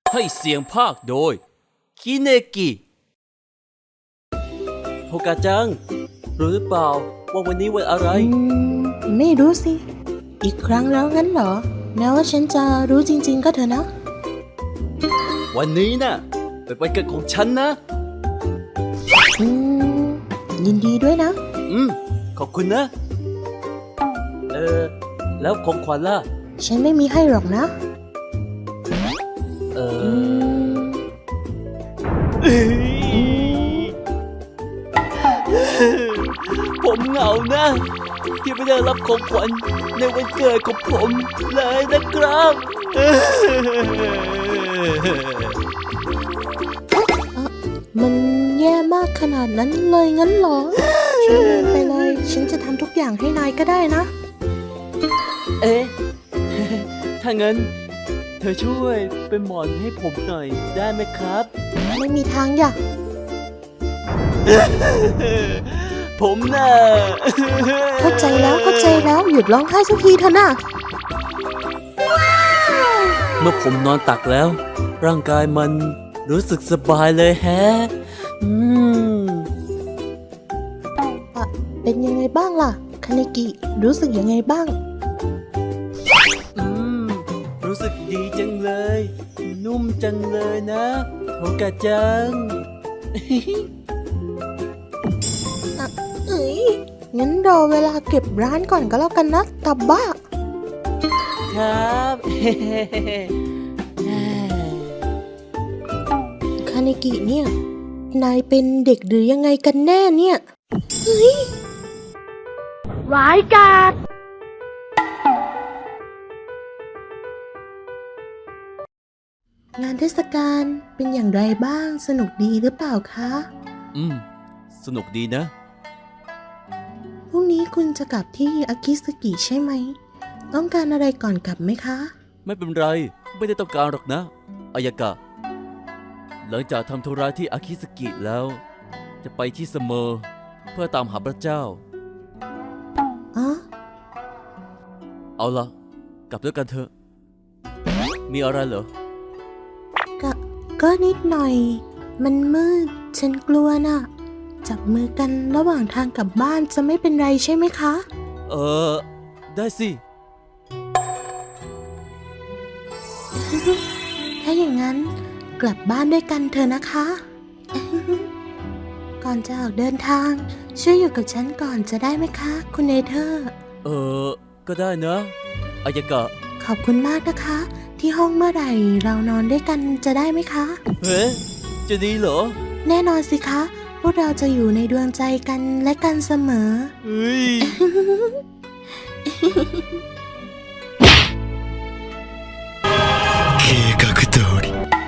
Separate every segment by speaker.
Speaker 1: ให้เสียงภาคโดยคิเนกิโฮกาจังรู้หรือเปล่าว่าวันนี้วันอะไร
Speaker 2: ไม่รู้สิอีกครั้งแล้วงั้นเหรอแม้ว่าฉันจะรู้จริงๆก็เถอะนะ
Speaker 1: วันนี้น่ะเป็นวันเกิดของฉันนะ
Speaker 2: ยินดีด้วยนะ
Speaker 1: ขอบคุณนะแล้วของขวัญล่ะ
Speaker 2: ฉันไม่มีให้หรอกนะ
Speaker 1: ผมเหงานะที่ไม่ได้รับของขวัญในวันเกิดของผมเลยนะครับ
Speaker 2: มันแย่มากขนาดนั้นเลยงั้นเหรอช่วยไปเลยฉันจะทำทุกอย่างให้นายก็ได้นะ
Speaker 1: ถ้างั้นเธอช่วยเป็นหมอนให้ผมหน่อยได้ไหมครับ
Speaker 2: ไม่มีทางอย่า
Speaker 1: ผมน่ะ
Speaker 2: เข้าใจแล้วหยุดร้องไห้สักทีเถอะนะ
Speaker 1: เมื่อผมนอนตักแล้วร่างกายมันรู้สึกสบายเลยแฮะ
Speaker 2: เป็นยังไงบ้างล่ะคาเนกิรู้สึกยังไงบ้าง
Speaker 1: รู้สึกดีจังเลยนุ่มจังเลยนะโทกะจัง
Speaker 2: งั้นรอเวลาเก็บร้านก่อนก็แล้วกันนะตับบ้า
Speaker 1: ครับ
Speaker 2: คาเนกิเนี่ยนายเป็นเด็กหรือยังไงกันแน่เนี่ย
Speaker 3: ร้ายกาจ
Speaker 2: งานเทศกาลเป็นอย่างไรบ้างสนุกดีหรือเปล่าคะ
Speaker 1: สนุกดีนะ
Speaker 2: พรุ่งนี้คุณจะกลับที่อากิสกิใช่ไหมต้องการอะไรก่อนกลับไหมคะ
Speaker 1: ไม่เป็นไรไม่ได้ต้องการหรอกนะอายากะหลังจากทำธุระที่อากิสกิแล้วจะไปที่เสมอเพื่อตามหาพระเจ้าเอาล่ะกลับด้วยกันเถอะมีอะไรเหรอ
Speaker 2: ก็นิดหน่อยมันมืดฉันกลัวน่ะจับมือกันระหว่างทางกลับบ้านจะไม่เป็นไรใช่ไหมคะ
Speaker 1: ได้สิ
Speaker 2: ถ้าอย่างนั้นกลับบ้านด้วยกันเถอะนะคะ ก่อนจะออกเดินทางช่วยอยู่กับฉันก่อนจะได้ไหมคะคุณเนเธอร์
Speaker 1: ก็ได้นะอายากะ
Speaker 2: ขอบคุณมากนะคะที่ห้องเมื่อไหร่เรานอนด้วยกันจะได้ไหมคะ
Speaker 1: เฮ้จะดีเหรอ
Speaker 2: แน่นอนสิคะพวกเราจะอยู่ในดวงใจกันและกันเสมอ
Speaker 1: เฮ้ย 計画通り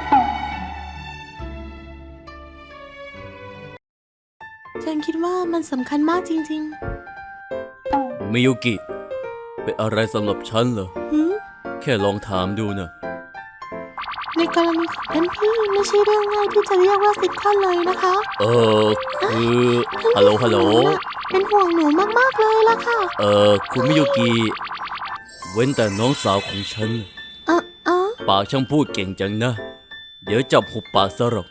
Speaker 2: ฉันคิดว่ามันสำคัญมากจริง
Speaker 1: ๆมิยุกิเป็นอะไรสำหรับฉันเหรอแค่ลองถามดูนะ
Speaker 2: ในกรณีของท่านพี่ไม่ใช่เรื่องง่ายที่จะเรียกว่าซิทคอมเลยนะคะ
Speaker 1: คือฮัลโหล
Speaker 2: เป็นห่วงหนูมากๆเลยล่ะค่ะ
Speaker 1: คุณมิยุกิเว้นแต่น้องสาวของฉันปากช่างพูดเก่งจังนะเดี๋ยวจับหุบปากซะหรอก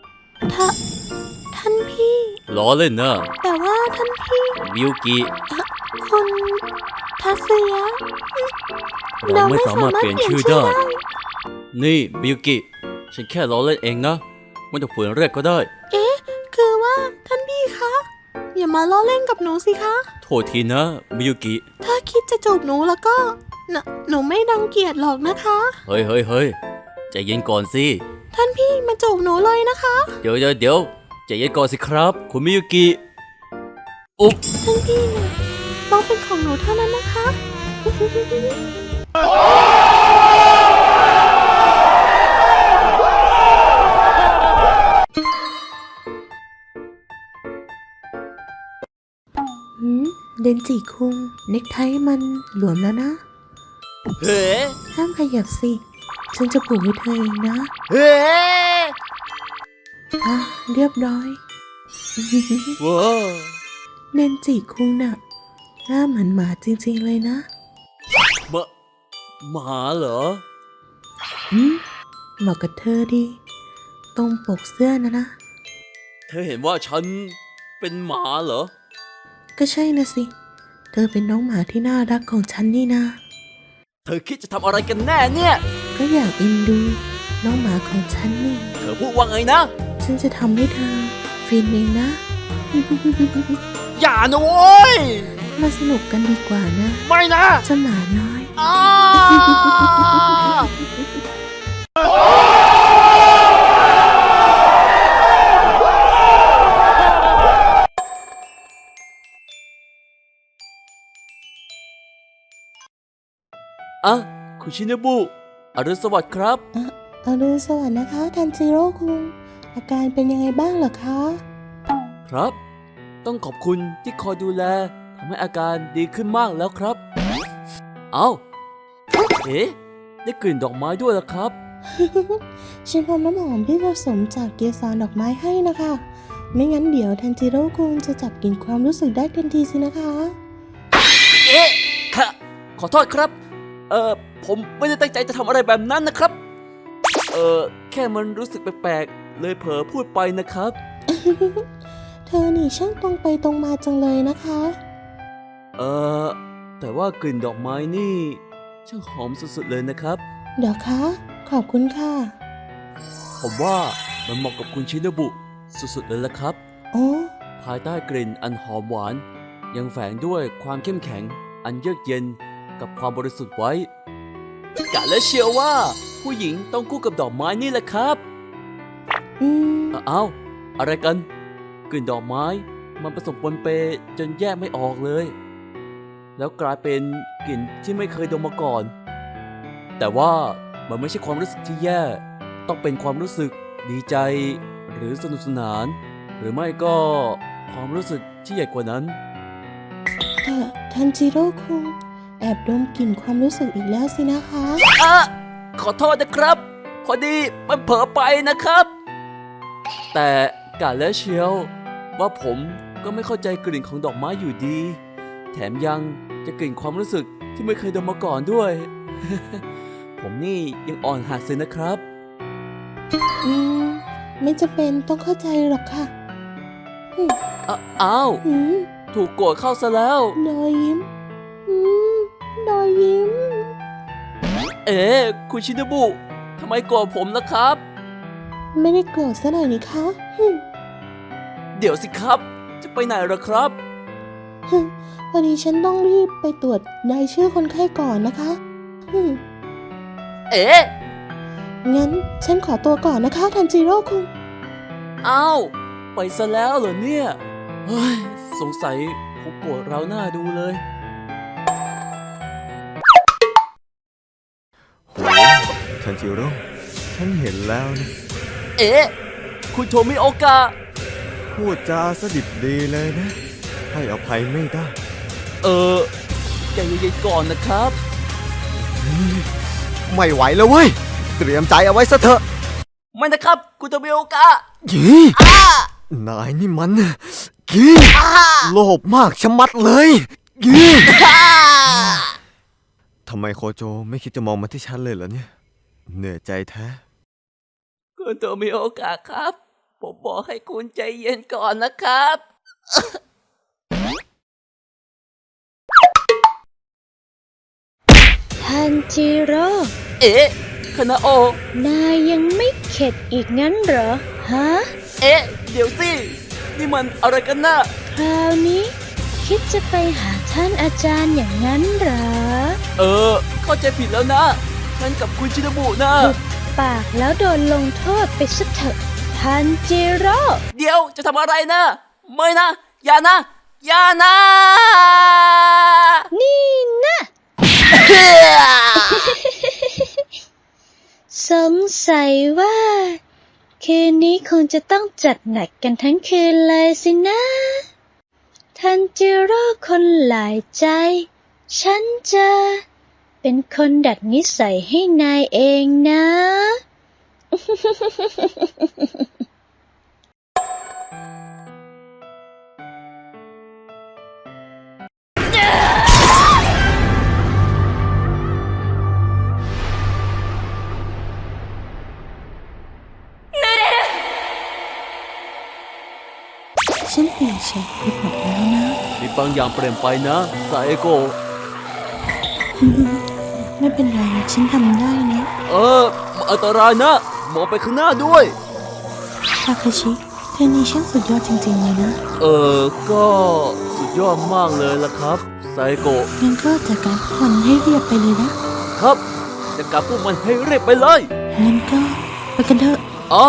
Speaker 2: ท่านพี่
Speaker 1: ล้อเล่นนะ
Speaker 2: แต่ว่าท่านพี่
Speaker 1: มิยุกิ
Speaker 2: คุณทัศยะ
Speaker 1: เราไม่สามารถเปลี่ยนชื่อได้นี่มิยุกิฉันแค่ล้อเล่นเองนะไม่ต้องฝืนแรกก็ได้
Speaker 2: คือว่าท่านพี่คะอย่ามาล้อเล่นกับหนูสิคะ
Speaker 1: โทษทีนะมิยุกิ
Speaker 2: ถ้าคิดจะจูบหนูแล้วก็หนูไม่รังเกียจหรอกนะคะ
Speaker 1: เฮ้ยใจเย็นก่อนสิ
Speaker 2: ท่านพี่มาจูบหนูเลยนะคะ
Speaker 1: เดี๋ยวใจเย็นก่อนสิครับคุณมิยุกิอุ๊บ
Speaker 2: ท่านพี่ต้องเป็นของหนูเท่านั้นนะคะเดนจิคุงเน็กไทมันหลวมแล้วนะ
Speaker 1: เฮ้
Speaker 2: ห้ามขยับสิฉันจะปลุกให้เธอเองนะ
Speaker 1: เฮ้
Speaker 2: เรียบร้อย
Speaker 1: ว้าว
Speaker 2: เดนจิคุงน่ะหน้าเหมือนหมาจริงๆเลยนะ
Speaker 1: หมาเหรอ
Speaker 2: เหมาะกับเธอดี ตรงปกเสื้อนะ
Speaker 1: เธอเห็นว่าฉันเป็นหมาเหรอ
Speaker 2: ก็ใช่นะสิ เธอเป็นน้องหมาที่น่ารักของฉันนี่นา
Speaker 1: เธอคิดจะทำอะไรกันแน่เนี่ย
Speaker 2: ก็อยากเอ็นดูน้องหมาของฉันนี่
Speaker 1: เธอพูดว่าไงนะ
Speaker 2: ฉันจะทำให้เธอฟินเองนะ
Speaker 1: อย่านะโว้ย
Speaker 2: มาสนุกกันดีกว่านะ
Speaker 1: ไม่นะ
Speaker 2: เจ้าหมาน้อย
Speaker 1: อ้า อ่ะคุณชินบุอรุณสวัสดิ์ครับ
Speaker 2: อรุณสวัสดิ์นะคะทันจิโร่คุง อาการเป็นยังไงบ้างเหรอคะ
Speaker 1: ครับ ต้องขอบคุณที่คอยดูแลทำให้อาการดีขึ้นมากแล้วครับ เอาเอ๊ะได้กลิ่นดอกไม้ด้วยล่ะครับ
Speaker 2: ฉันทำน้ำหอมที่ผสมจากเกสรดอกไม้ให้นะคะ ไม่งั้นเดี๋ยวทันจิโร่คุงจะจับกลิ่นความรู้สึกได้ทันทีสินะคะ
Speaker 1: เอ๊ะค่ะขอโทษครับ ผมไม่ได้ตั้งใจจะทำอะไรแบบนั้นนะครับ แค่มันรู้สึกแปลกๆ เลยเผลอพูดไปนะครับ
Speaker 2: เธอนี่ช่างตรงไปตรงมาจังเลยนะคะ
Speaker 1: แต่ว่ากลิ่นดอกไม้นี่ช่างหอมสุดๆเลยนะครับ
Speaker 2: เดี๋ยวคะ ขอบคุณค่ะ
Speaker 1: ผมว่ามันเหมาะกับคุณชินบุสุดๆเลยละครับ
Speaker 2: โอ้
Speaker 1: ภายใต้กลิ่นอันหอมหวาน ยังแฝงด้วยความเข้มแข็ง อันเยือกเย็นกับความบริสุทธิ์ไว้กะและเชื่อว่าผู้หญิงต้องคู่กับดอกไม้นี่แหละครับ
Speaker 2: อืม
Speaker 1: อ้าวอะไรกัน กลิ่นดอกไม้มันผสมปนเปจนแยกไม่ออกเลย แล้วกลายเป็นกลิ่นที่ไม่เคยดมมาก่อน แต่ว่ามันไม่ใช่ความรู้สึกที่แย่ ต้องเป็นความรู้สึกดีใจ หรือสนุกสนาน หรือไม่ก็ความรู้สึกที่ใหญ่กว่านั้น
Speaker 2: แต่ทันจิโร่คุงแอบดมกลิ่นความรู้สึกอีกแล้วสินะคะ
Speaker 1: อะขอโทษนะครับ พอดีมันเผลอไปนะครับ แต่กะและเชียวว่าผมก็ไม่เข้าใจกลิ่นของดอกไม้อยู่ดี แถมยังจะกลิ่นความรู้สึกที่ไม่เคยดมมาก่อนด้วย ผมนี่ยังอ่อนหัดเลยนะครับ
Speaker 2: อืม ไม่จำเป็นต้องเข้าใจหรอกค่ะ
Speaker 1: อ้าว
Speaker 2: อืม
Speaker 1: ถูกโกรธเข้าซะแล้ว
Speaker 2: รอยยิ้ม อืม รอยยิ้ม
Speaker 1: เอ๊ะคุณชินบุทำไมโกรธผมนะครับ
Speaker 2: ไม่ได้โกรธซะหน่อยนี่คะฮึม
Speaker 1: เดี๋ยวสิครับ จะไปไหนเหรอครับ
Speaker 2: ฮึมพอดีฉันต้องรีบไปตรวจรายชื่อคนไข้ก่อนนะคะฮึม
Speaker 1: เอ๊ะ
Speaker 2: งั้นฉันขอตัวก่อนนะคะทันจิโร่คุง
Speaker 1: อ้าวไปซะแล้วเหรอเนี่ยเฮ้ยสงสัยคงโกรธเราหน้าดูเลย
Speaker 4: โหทันจิโร่ฉันเห็นแล้วนะ
Speaker 1: เอ๊ะ คุณโทมิโอกะ
Speaker 4: พูดจาสดิบดีเลยนะ ให้อภัยไม่ได้
Speaker 1: ใจเย็นๆก่อนนะครับ
Speaker 4: ไม่ไหวแล้วเว้ย เตรียมใจเอาไว้ซะเถอะ
Speaker 1: ไม่นะครับ คุณโทมิโอกะ
Speaker 4: ยี่นายนี่มันยี่โลภมากชะมัดเลยยี่ทำไมโคโจไม่คิดจะมองมาที่ฉันเลยเหรอเนี่ย เหนื่อยใจแท้
Speaker 1: คุณโทมิโอกะครับ ผมบอกให้คุณใจเย็นก่อนนะครับ
Speaker 3: ทันจิโร่
Speaker 1: เอ๊ะคานาโอะ
Speaker 3: นายยังไม่เข็ดอีกงั้นเหรอ ฮะ
Speaker 1: เอ๊ะ เดี๋ยวสิ นี่มันอะไรกันนะ
Speaker 3: คราวนี้คิดจะไปหาท่านอาจารย์อย่างนั้นเหรอ
Speaker 1: เข้าใจผิดแล้วนะ ฉันกับคุณชินบุนะ
Speaker 3: หุบปากแล้วโดนลงโทษไปซะเถอะทันจิโร่
Speaker 1: เดี๋ยวจะทำอะไรนะ ไม่นะ อย่านะ อย่านะ
Speaker 3: นี่นะ สงสัยว่า คืนนี้คงจะต้องจัดหนักกันทั้งคืนเลยสินะ ทันจิโร่คนหลายใจ ฉันจะเป็นคนดัดนิสัยให้นายเองนะ
Speaker 1: เ
Speaker 2: ฉันเปลี่ยนเฉยไปหมดแล้วนะ
Speaker 1: มีบางอย่างเปลี่ยนไปนะซาเอโกะ
Speaker 2: ไม่เป็นไรฉันทำได้นะ
Speaker 1: มันอันตรายนะ มองไปข้างหน้าด้วย
Speaker 2: ทาคาชิเธอนี่ช่างสุดยอดจริงๆเลยนะ
Speaker 1: ก็สุดยอดมากเลยล่ะครับซาเอโกะ
Speaker 2: งั้นก็จัดการพวกมันให้เรียบไปเลยนะครับ
Speaker 1: จะกลับพวกมันให้เรียบไปเลย
Speaker 2: งั้นก็ไปกันเถอะ
Speaker 1: อ๋อ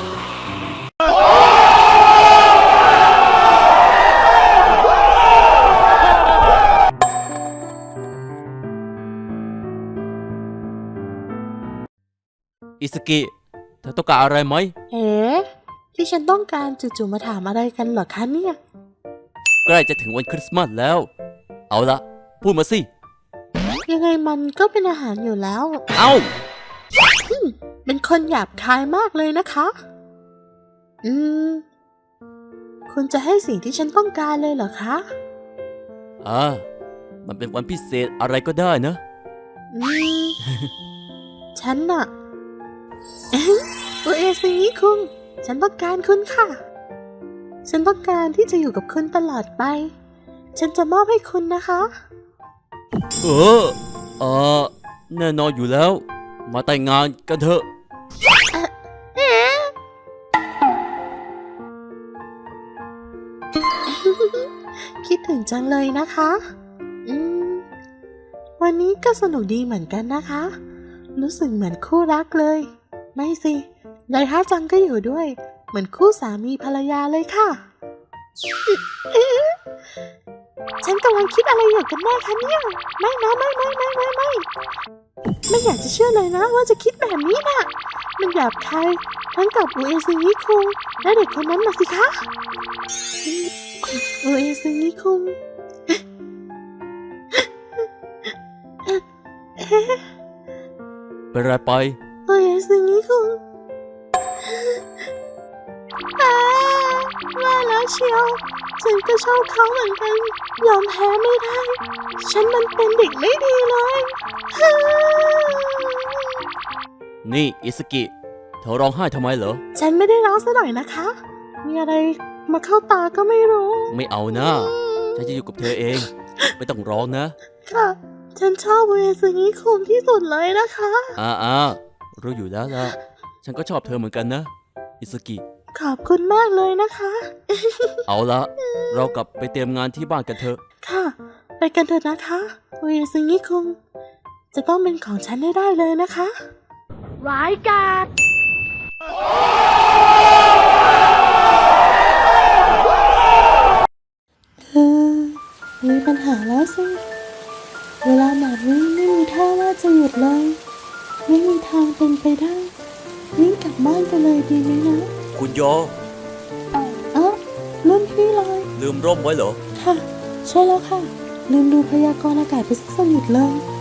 Speaker 1: อิสกิ เธอต้องการอะไรไหม
Speaker 2: เอ๋ที่ฉันต้องการจู่ๆมาถามอะไรกันเหรอคะเนี่ย
Speaker 1: ใกล้จะถึงวันคริสต์มาสแล้ว เอาละพูดมาสิ
Speaker 2: ยังไงมันก็เป็นอาหารอยู่แล้ว
Speaker 1: เอ้า
Speaker 2: เป็นคนหยาบคายมากเลยนะคะ คุณจะให้สิ่งที่ฉันต้องการเลยเหรอคะ
Speaker 1: มันเป็นวันพิเศษอะไรก็ได้นะ
Speaker 2: ฉันน่ะ อุเอซึงิคุง ฉันต้องการคุณค่ะ ฉันต้องการที่จะอยู่กับคุณตลอดไป ฉันจะมอบให้คุณนะคะ
Speaker 1: แน่นอนอยู่แล้ว มาแต่งงานกันเถอะ
Speaker 2: คิดถึงจังเลยนะคะ วันนี้ก็สนุกดีเหมือนกันนะคะ รู้สึกเหมือนคู่รักเลย ไม่สิไดฮะจังก็อยู่ด้วย เหมือนคู่สามีภรรยาเลยค่ะ ฉันกำลังคิดอะไรอยู่กันแน่คะเนี่ย ไม่นะไม่อยากจะเชื่อเลยนะว่าจะคิดแบบนี้น่ะ มันหยาบคายทั้งกับอุเอซึงิคุงและเด็กคนนั้นน่ะสิคะอุเอซึงิคุง
Speaker 1: เป็นไรไป
Speaker 2: อุเอซึงิคุงว่าแล้วเชียว ฉันก็ชอบเขาเหมือนกัน ยอมแพ้ไม่ได้ ฉันมันเป็นเด็กไม่ดีเลย
Speaker 1: นี่อิสกิ เธอร้องไห้ทำไมเหรอ
Speaker 2: ฉันไม่ได้ร้องซะหน่อยนะคะ มีอะไรมาเข้าตาก็ไม่รู้
Speaker 1: ไม่เอานะฉันจะอยู่กับเธอเอง ไม่ต้องร้องนะ
Speaker 2: ค่ะ ฉันชอบอุเอซึงิคุงที่สุดเลยนะคะ
Speaker 1: รู้อยู่แล้วล่ะ ฉันก็ชอบเธอเหมือนกันนะ อิสกิ
Speaker 2: ขอบคุณมากเลยนะคะ
Speaker 1: เอาละ เรากลับไปเตรียมงานที่บ้านกันเถอะ
Speaker 2: ค่ะ ไปกันเถอะนะคะอุเอซึงิคุง จะต้องเป็นของฉันให้ได้เลยนะคะร้ายกาจมีปัญหาแล้วสิ เวลาแบบนี้ไม่มีท่าว่าจะหยุดเลย ไม่มีทางเป็นไปได้ วิ่งกลับบ้านไปเลยดีไหมนะ
Speaker 1: คุณโย
Speaker 2: รุ่นพี่เลย
Speaker 1: ลืมร่มไว้เหรอ
Speaker 2: ค่ะ ใช่แล้วค่ะ ลืมดูพยากรณ์อากาศไปสักสนิทเลย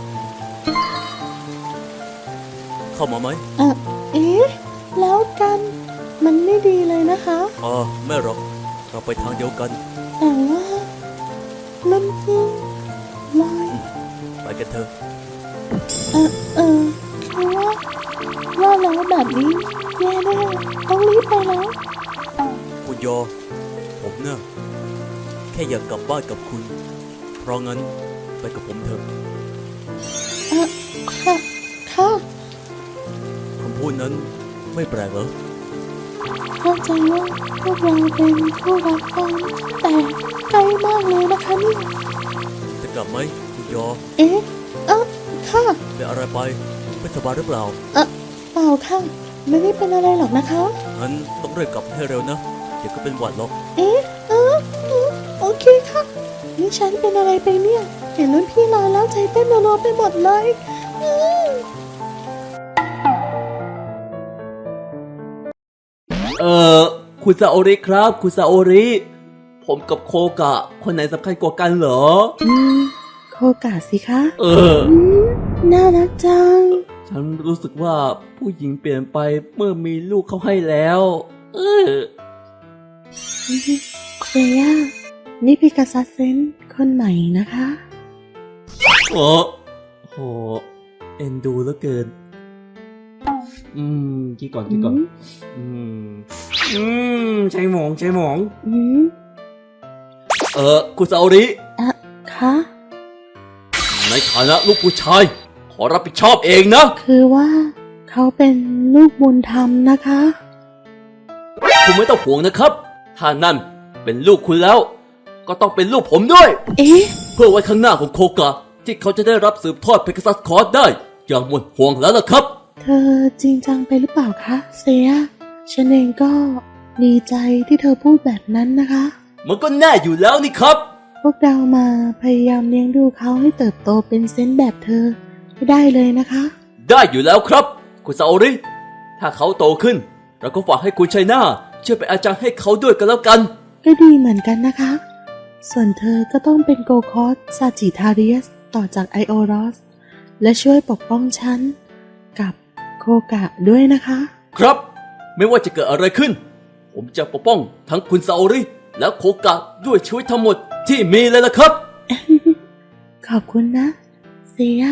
Speaker 1: เข้ามาไหม
Speaker 2: แล้วกัน มันไม่ดีเลยนะคะ
Speaker 1: ไม่หรอก เราไปทางเดียวกัน
Speaker 2: แต่ว่ารุ่นพี่ลอย
Speaker 1: ไปกันเถอะ
Speaker 2: คือว่าแล้วแบบนี้แย่แน่ต้องรีบไปแล้ว
Speaker 1: คุณโย ผมเนี่ยแค่อยากกลับบ้านกับคุณ เพราะงั้นไปกับผมเถอะ
Speaker 2: ค่ะ
Speaker 1: คำพูดนั้นไม่แปลกเหรอ
Speaker 2: เข้าใจว่าพวกเราเป็นคู่รักกันแต่ไกลมากเลยนะคะนี่
Speaker 1: จะกลับไหมคุณโย
Speaker 2: ค่ะ
Speaker 1: เป็นอะไรไปไม่สบายหรือเปล่า
Speaker 2: เปล่าค่ะ ไม่ได้เป็นอะไรหรอกนะคะ
Speaker 1: งั้นต้องเร่งกลับให้เร็วนะ เดี๋ยวก็เป็นหวัดหรอก
Speaker 2: โอเคค่ะ นี่ฉันเป็นอะไรไปเนี่ย เห็นรุ่นพี่ลอยแล้วใจเต้นรัวๆไปหมดเลย
Speaker 1: คุณซาโอริครับ คุณซาโอริ ผมกับโคกะ คนไหนสำคัญกว่ากันเหรอ
Speaker 2: โคกะสิคะ น่ารักจัง
Speaker 1: ฉันรู้สึกว่าผู้หญิงเปลี่ยนไปเมื่อมีลูกเขาให้แล้ว
Speaker 2: เซย่า นี่พิกาซัสเซนคนใหม่นะคะ
Speaker 1: โห เอ็นดูเหลือเกิน คิดก่อน ใช่หมอง
Speaker 2: อืม
Speaker 1: คุณซาโอริ
Speaker 2: คะ
Speaker 1: ในฐานะลูกผู้ชาย ขอรับผิดชอบเองนะ
Speaker 2: คือว่าเขาเป็นลูกบุญธรรมนะคะ
Speaker 1: คุณไม่ต้องห่วงนะครับ ถ้านั่นเป็นลูกคุณแล้ว ก็ต้องเป็นลูกผมด้วย
Speaker 2: เอ๊ะ
Speaker 1: เพื่อไว้ข้างหน้าของโคกะ ที่เขาจะได้รับสืบทอดเพกาซัสคอร์สได้ อย่างหมดห่วงแล้วล่ะครับ
Speaker 2: เธอจริงจังไปหรือเปล่าคะเซียฉันเองก็ดีใจที่เธอพูดแบบนั้นนะคะ
Speaker 1: มันก็แน่อยู่แล้วนี่ครับ
Speaker 2: พวกเรามาพยายามเลี้ยงดูเขาให้เติบโตเป็นเซนต์แบบเธอให้ได้เลยนะคะ
Speaker 1: ได้อยู่แล้วครับ คุณซาโอริ ถ้าเขาโตขึ้น เราก็ฝากให้คุณชัยนาช่วยเป็นอาจารย์ให้เขาด้วยกันแล้วกัน
Speaker 2: ก็ดีเหมือนกันนะคะ ส่วนเธอก็ต้องเป็นโกคอสซาจิทาเรียสต่อจากไอโอรอส และช่วยปกป้องฉัน กับโคกะด้วยนะคะ
Speaker 1: ครับ ไม่ว่าจะเกิดอะไรขึ้น ผมจะปกป้องทั้งคุณซาโอริ และโคกะด้วยชีวิตทั้งหมดที่มีเลยล่ะครับ
Speaker 2: ขอบคุณนะเซีย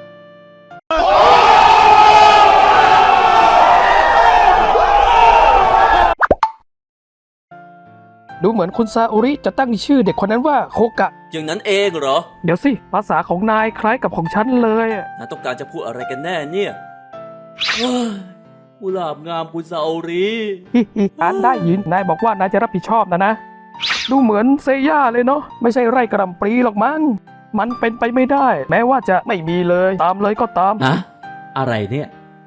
Speaker 5: ดูเหมือนคุณซาอุริจะตั้งชื่อเด็กคนนั้นว่าโคกะ
Speaker 1: อย่างนั้นเองเหรอ
Speaker 5: เดี๋ยวสิ ภาษาของนายคล้ายกับของฉันเลยอะ
Speaker 1: นายต้องการจะพูดอะไรกันแน่เนี่ยว้ายกุหลาบงามคุณซาโอริ
Speaker 5: ฮิฮิอ่านได้ยิน นายบอกว่านายจะรับผิดชอบนะ ดูเหมือนเซย่าเลยเนาะ ไม่ใช่ไร่กระหล่ำปลีหรอกมั้ง มันเป็นไปไม่ได้ แม้ว่าจะไม่มีเลย ตามเลยก็ตาม
Speaker 1: ฮะ อะไรเนี่ย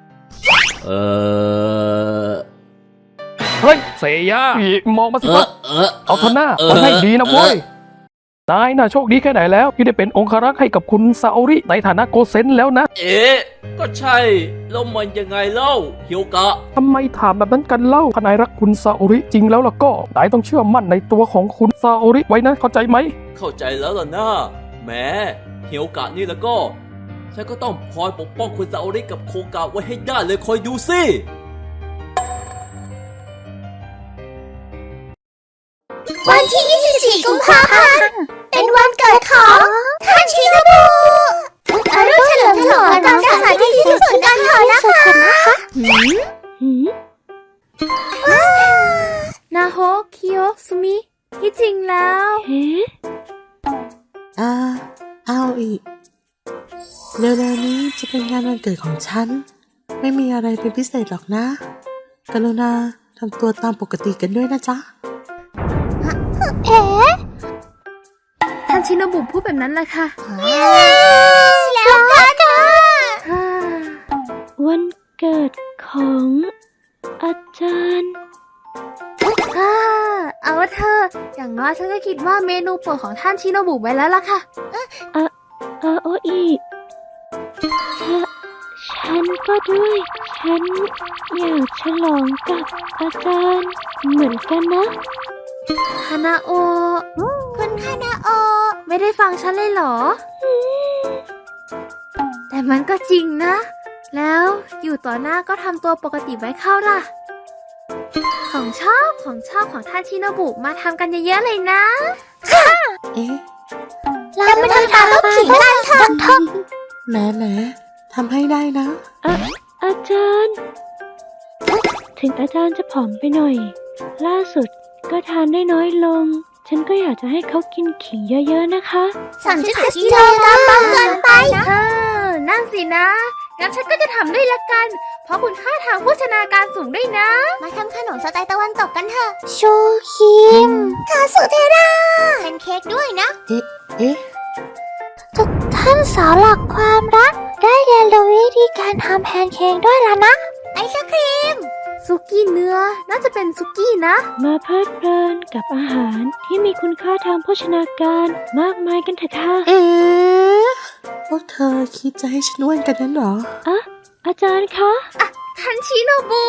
Speaker 5: เฮ้ย เซย่ามองมาสิวะเอาเถอะหน้ามันให้ดีนะเว้ย นายน่ะโชคดีแค่ไหนแล้ว ที่ได้เป็นองครักษ์ให้กับคุณซาโอริในฐานะโกเซนแล้วนะ
Speaker 1: เอ๊ะ ก็ใช่ แล้วมันยังไงเล่าเฮียวกะ
Speaker 5: ทำไมถามแบบนั้นกันเล่าถ้านายรักคุณซาโอริจริงแล้วล่ะก็นายต้องเชื่อมั่นในตัวของคุณซาโอริไว้นะ เข้าใจไหม
Speaker 1: เข้าใจแล้วล่ะนะแหมเฮียวกะนี่แล้วก็ ฉันก็ต้องคอยปกป้องคุณซาโอริกับโคกะไว้ให้ได้เลยคอยดูสิ
Speaker 3: วันที่ 24 กุมภาพันธ์เป็นวันเกิดของท่านชินบุอารุณเฉลิมฉลองตามสถานที่ที่สุดกันเถอะนะคะนาโฮคิโอซุมิที่จริงแล้ว
Speaker 2: เอาอีก เร็วๆนี้จะเป็นงานวันเกิดของฉัน ไม่มีอะไรเป็นพิเศษหรอกนะ กรุณาทำตัวตามปกติกันด้วยนะจ๊ะ
Speaker 3: ท่านชินบุพูดแบบนั้นแหละค่ะ แล้วกันค่ะวันเกิดของอาจารย์เอาว่าเธอ อย่างน้อยฉันก็คิดว่าเมนูโปรดของท่านชินบุไว้แล้วล่ะค่ะโออีฉันก็ด้วย ฉันอยากฉลองกับอาจารย์เหมือนกันนะคานาโอคุณคานาโอไม่ได้ฟังฉันเลยเหรอ แต่มันก็จริงนะ แล้วอยู่ต่อหน้าก็ทำตัวปกติไว้เข้าล่ะ ของชอบของท่านชินบุมาทำกันเยอะๆเลยนะ
Speaker 2: เอ๊ะ
Speaker 3: เราไม่ทำตามลูกผีกันเถอะ
Speaker 2: แหมทำให้ได้นะ
Speaker 6: อาจารย์ ถึงอาจารย์จะผอมไปหน่อย ล่าสุดก็ทานได้น้อยลง ฉันก็อยากจะให้เขากินขิงเยอะๆนะคะ
Speaker 3: 30 กิโลกรัมเบาเกินไปนั่นสินะ งั้นฉันก็จะทำด้วยละกัน เพราะคุณค่าทางโภชนาการสูงด้วยนะ มาทำขนมสไตล์ตะวันตกกันเถอะ ชูคิมคาสุเทราเป็นเค้กด้วยนะ
Speaker 2: เอ๊ะ
Speaker 3: ท่านสาวหลักความรัก ได้เรียนรู้วิธีการทำแพนเค้กด้วยแล้วนะ ไอศครีม ซุกี้เนื้อ น่าจะเป็นซุกี้นะ
Speaker 6: มาเพลิดเพลินกับอาหารที่มีคุณค่าทางโภชนาการมากมายกันเถอะค่ะ
Speaker 2: เอ๊ะ พวกเธอคิดจะให้ฉันอ้วนกันนั้นเหรอ
Speaker 6: อาจารย์คะ
Speaker 3: ท่านชิโนบุ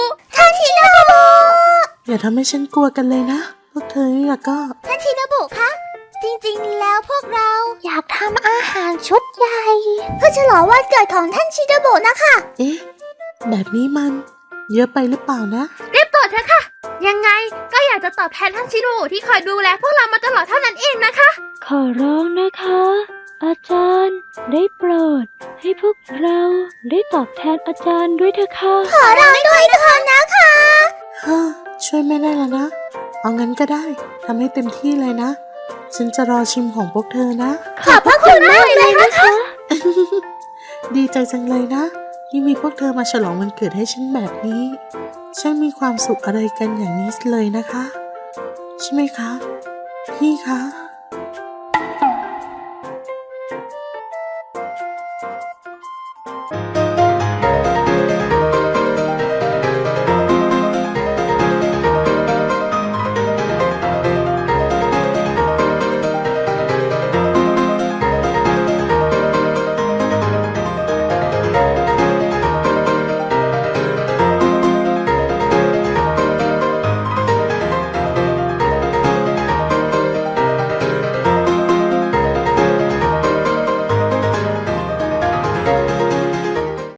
Speaker 2: อย่าทำให้ฉันกลัวกันเลยนะ พวกเธอนี่ละก็
Speaker 3: ท่านชิโนบุคะ จริงๆ แล้วพวกเราอยากทำอาหารชุดใหญ่ เพื่อฉลองวันเกิดของท่านชิโนบุนะคะ
Speaker 2: เอ๊ะ แบบนี้มันเยอะไปหรือเปล่านะ
Speaker 3: เรียบตัวเถอะค่ะ ยังไงก็อยากจะตอบแทนท่านชิโนบุที่คอยดูแลพวกเรามาตลอดเท่านั้นเองนะคะ
Speaker 6: ขอร้องนะคะ อาจารย์ได้โปรด ให้พวกเราได้ตอบแทนอาจารย์ด้วยเถอะค่ะ
Speaker 3: ขอร้องด้วยเถอะนะคะ
Speaker 2: ช่วยไม่ได้แล้วนะ เอางั้นก็ได้ ทำให้เต็มที่เลยนะฉันจะรอชิมของพวกเธอนะ
Speaker 6: ขอบพระคุณมากเลยนะคะ
Speaker 2: ดีใจจังเลยนะ ที่มีพวกเธอมาฉลองวันเกิดให้ฉันแบบนี้ช่างมีความสุขอะไรกันอย่างนี้เลยนะคะ ใช่ไหมคะ พี่คะ